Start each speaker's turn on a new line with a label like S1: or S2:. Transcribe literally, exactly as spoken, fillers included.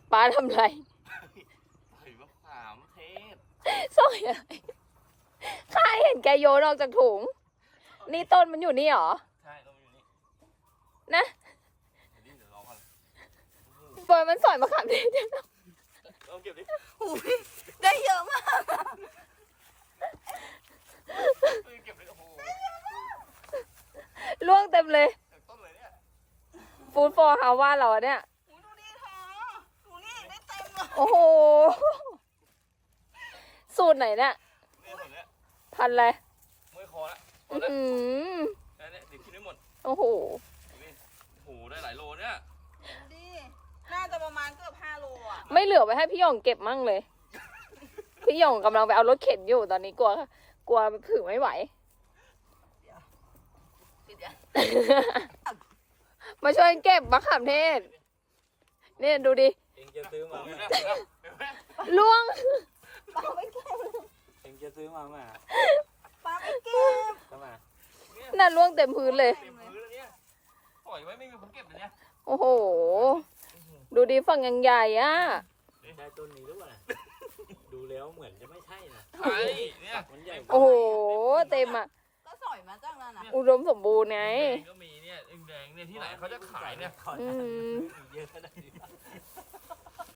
S1: ป้าทำไร
S2: ใส่มะขามเทศ
S1: สอยอะไรข้าเห็นแกโยนออกจากถุง นี่ต้นมันอยู่นี่เหรอ
S2: ใช่เราอยู่นี่
S1: นะ
S2: เดี๋ยวนี้เดี๋ยวรอก่อน
S1: ปล่อยมันสอยมะขามเทศ
S2: เอาเก็บดิ
S3: อุ้ยได้เยอะมาก
S2: เออเก็บเลยโอ้โห
S1: ล่วงเต็มเลย
S2: เก็บต้นเลยเนี่ย
S1: ฟูดฟอร์ฮาว่าเราอะเนี่ย
S3: อุ้ยดูดิเธอดูนี่ได้เต็มเลย
S1: โอ้โห สูตรไหนเนี่ย
S2: เนี่ยส่วนเนี้ย
S1: พันอะไร
S2: เมื่อยคอละหม
S1: อื้
S2: ด
S1: อ
S2: ละ
S1: หือ
S2: แค่เนี้ยเดี๋ยวกินไม่หมด
S1: โอ้โห
S2: นี่โอ้โหได้หลายโลเนี่ย
S3: ดูดิน่าจะประมาณเกือบห้าโลอ่ะ
S1: ไม่เหลือไว้ให้พี่หยองเก็บมั่งเลย พี่หยองกำลังไปเอารถเข็นอยู่ตอนนี้กลัว กลัวถือไม่ไหว
S3: ปิดยัง
S1: มาช่วยเก็บมะขามเทศ เนี่ยดูดิ
S4: เองจะซื้อมา
S2: เห็
S4: ไหม
S2: นไหมเห็นไหม
S1: ล่วง
S3: ปลาไปเก็บ
S4: เองจะซื้อมาไหม
S3: ปลาไปเก็บ
S4: ทำไม
S1: น่าล่วงเต็มพื้นเลย
S2: เต็มพื้นแล้วเนี่ยปล่อยไว้ไม่มีคนเก็บเลยเนี่ย
S1: โอ้โห ดูดิฝั่งยังใหญ่อะ
S4: ใช่ต้นนี้หรือเปล่าดูแล้วเหมือนจะไม่ใช่นะ
S2: ใช่เนี่ย
S4: มันใหญ่
S1: โอ้โห เต็มอะ
S3: ก็สอยมาจากนั้นนะ
S1: อุดมสมบูรณ์ไง
S2: แดงก็มีเนี่ยแดงๆเนี่ยที่ไหนเขาจะขายเนี่ย
S1: อืม
S4: เยอะขนาดนี้